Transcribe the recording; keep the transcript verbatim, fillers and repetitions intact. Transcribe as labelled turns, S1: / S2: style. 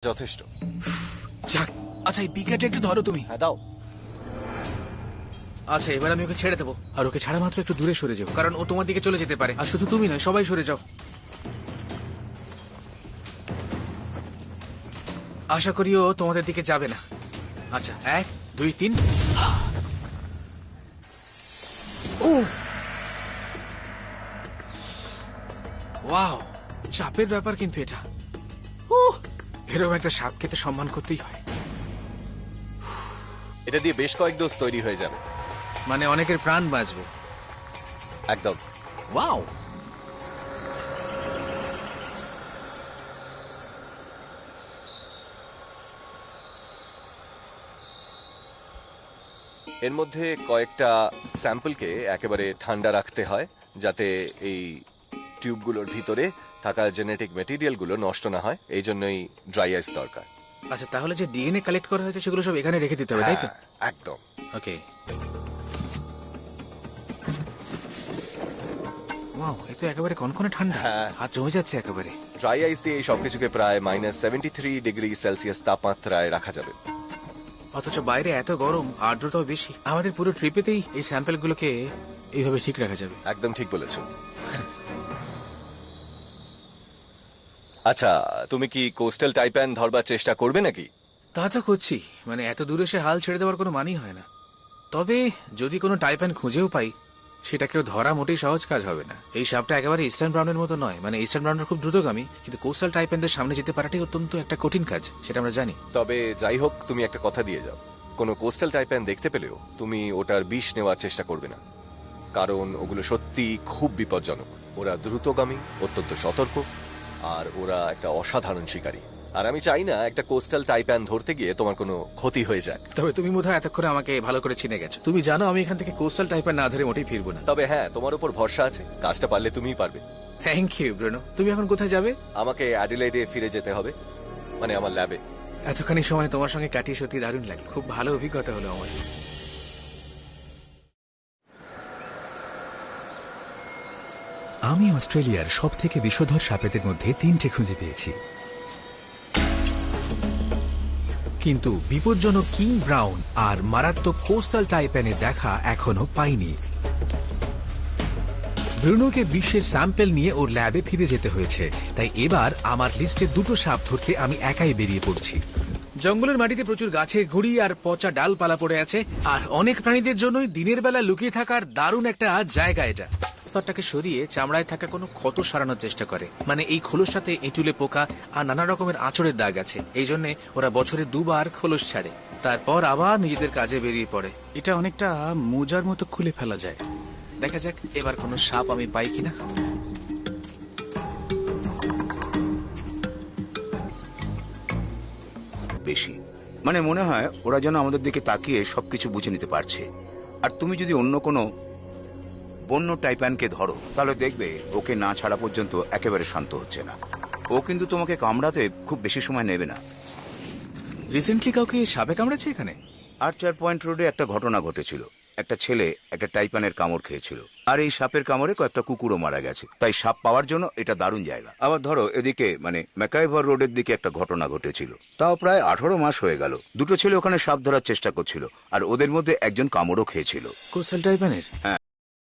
S1: যথেষ্ট।
S2: যাক, আচ্ছা এই পিকাটা একটু ধরো তুমি।
S1: হ্যাঁ দাও।
S2: আচ্ছা এবার আমি ওকে ছেড়ে দেবো, আর ওকে ছাড়া মাত্র একটু দূরে সরে যাও, কারণ ও তোমার দিকে চলে যেতে পারে। আর শুধু তুমি নয়, সবাই সরে যাও। আশা করি ও তোমাদের দিকে যাবে না। আচ্ছা এক দুই তিন। ও ওয়াও, চাপের ব্যাপার কিন্তু এটা। উহ, এরকম একটা সাপ খেতে সম্মান করতেই হয়।
S1: এটা দিয়ে বেশ কয়েক ডোজ তৈরি হয়ে যাবে।
S2: মানে অনেকের প্রাণ বাঁচবে।
S1: একদম।
S2: ওয়াও,
S1: এর মধ্যে কয়েকটা স্যাম্পলকে একেবারে ঠান্ডা রাখতে হয়, যাতে এই টিউবগুলোর ভিতরে থাকা জেনেটিক মেটেরিয়ালগুলো নষ্ট না হয়। এই জন্যই ড্রাই আইস দরকার।
S2: আচ্ছা তাহলে যে ডিএনএ কালেক্ট করা হয়েছে সেগুলো সব এখানে রেখে দিতে হবে, তাই তো?
S1: হ্যাঁ, একদম।
S2: ওকে। ওয়াও, এ তো একেবারে কনকনে ঠান্ডা।
S1: হ্যাঁ।
S2: হাত জমে যাচ্ছে একেবারে।
S1: ড্রাই আইস দিয়ে এই সবকিছুকে প্রায় minus seventy three degree Celsius তাপমাত্রায় রাখা যাবে।
S2: অথচ বাইরে এত গরম, আর্দ্রতাও বেশি। আমাদের পুরো ট্রিপেতেই এই স্যাম্পলগুলোকে এইভাবে ঠিক রাখা যাবে।
S1: একদম ঠিক বলেছ। আচ্ছা, তুমি কি কোস্টাল টাইপ্যান ধরবার চেষ্টা করবে নাকি?
S2: তা তো করছি, মানে এত দূরে সে হাল ছেড়ে দেওয়ার কোনো মানই হয় না। তবে যদি কোনো টাইপ্যান খুঁজেও পাই, সেটাকেও ধরা মোটেই সহজ কাজ হবে না। এই সাপটা একেবারে ইস্টার্ন ব্রাউনের মতো নয়, মানে ইস্টার্ন ব্রাউনের খুব দ্রুতগামী, কিন্তু কোস্টাল টাইপ্যানদের সামনে যেতে পারাটাই অত্যন্ত একটা কঠিন কাজ, সেটা আমরা জানি।
S1: তবে যাই হোক, তুমি একটা কথা দিয়ে যাও, কোনো কোস্টাল টাইপ্যান দেখতে পেলেও তুমি ওটার বিষ নেওয়ার চেষ্টা করবে না, কারণ ওগুলো সত্যি খুব বিপজ্জনক। ওরা দ্রুতগামী, অত্যন্ত সতর্ক, আর ওরা একটা অসাধারণ শিকারী। আর আমি চাই না একটা কোস্টাল টাইপ্যান ধরতে গিয়ে তোমার কোনো ক্ষতি হয়ে যাক।
S2: তবে তুমি বোধহয় এতক্ষণে আমাকে ভালো করে চিনে গেছো। তুমি জানো আমি এখান থেকে কোস্টাল টাইপ্যান না ধরে মোটেই ফিরবো না।
S1: তবে হ্যাঁ, তোমার উপর ভরসা আছে, কাজটা পারলে তুমিই পারবে।
S2: Thank you Bruno. তুমি এখন কোথায় যাবে?
S1: আমাকে অ্যাডিলেডে ফিরে যেতে হবে, মানে আমার ল্যাবে।
S2: এতখানি সময় তোমার সঙ্গে কাটিয়ে সত্যি দারুণ লাগলো, খুব ভালো অভিজ্ঞতা হলো আমার।
S3: আমি অস্ট্রেলিয়ার সব থেকে বিষধর সাপেদের মধ্যে তিনটে খুঁজে পেয়েছি, কিন্তু বিপজ্জনক কিং ব্রাউন আর মারাত্মক কোস্টাল টাইপ্যানের দেখা এখনো পাইনি। ব্রুনোকে বিশ্বের স্যাম্পল নিয়ে ওর ল্যাবে ফিরে যেতে হয়েছে, তাই এবার আমার লিস্টে দুটো সাপ ধরতে আমি একাই বেরিয়ে পড়ছি।
S2: জঙ্গলের মাটিতে প্রচুর গাছে ঘুড়ি আর পচা ডালপালা পড়ে আছে, আর অনেক প্রাণীদের জন্যই দিনের বেলা লুকিয়ে থাকার দারুণ একটা জায়গা এটা। স্তরটাকে সরিয়ে চামড়ায় থাকা কোনো ক্ষত সারানোর চেষ্টা করে, মানে এই খোলসটাতে এঁটুলে পোকা আর নানা রকমের আঁচড়ের দাগ আছে। এই জন্য ওরা বছরে দুবার খোলস ছাড়ে, তারপর আবার নিজেদের কাজে বেরিয়ে পড়ে। এটা অনেকটা মোজার মতো খুলে ফেলা যায়। দেখা যাক এবার কোনো সাপ আমি পাই কিনা।
S4: বেশি মানে মনে হয় ওরা যেন আমাদের দিকে তাকিয়ে সবকিছু বুঝে নিতে পারছে। আর তুমি যদি অন্য কোনো বন্য টাইপ্যানকে ধরো, তাহলে দেখবে ওকে না ছাড়া পর্যন্ত একেবারে শান্ত হচ্ছে না। ও কিন্তু তোমাকে কামড়াতে খুব বেশি সময় নেবে না।
S2: রিসেন্টলি কাউকে সাপে কামড়েছে এখানে?
S4: আর চার পয়েন্ট রোডে একটা ঘটনা ঘটেছিল। একটা ছেলে একটা টাইপ্যানের কামড় খেয়েছিল, আর এই সাপের কামড়ে কয়েকটা কুকুরও মারা গেছে। তাই সাপ পাওয়ার জন্য এটা দারুণ জায়গা। আবার ধরো এদিকে মানে ম্যাকাইভার রোডের দিকে একটা ঘটনা ঘটেছিল, তাও প্রায় আঠারো মাস হয়ে গেল। দুটো ছেলে ওখানে সাপ ধরার চেষ্টা করছিল, আর ওদের মধ্যে একজন কামড়ও খেয়েছিল।
S2: কোস্টাল টাইপ্যানের?
S4: হ্যাঁ।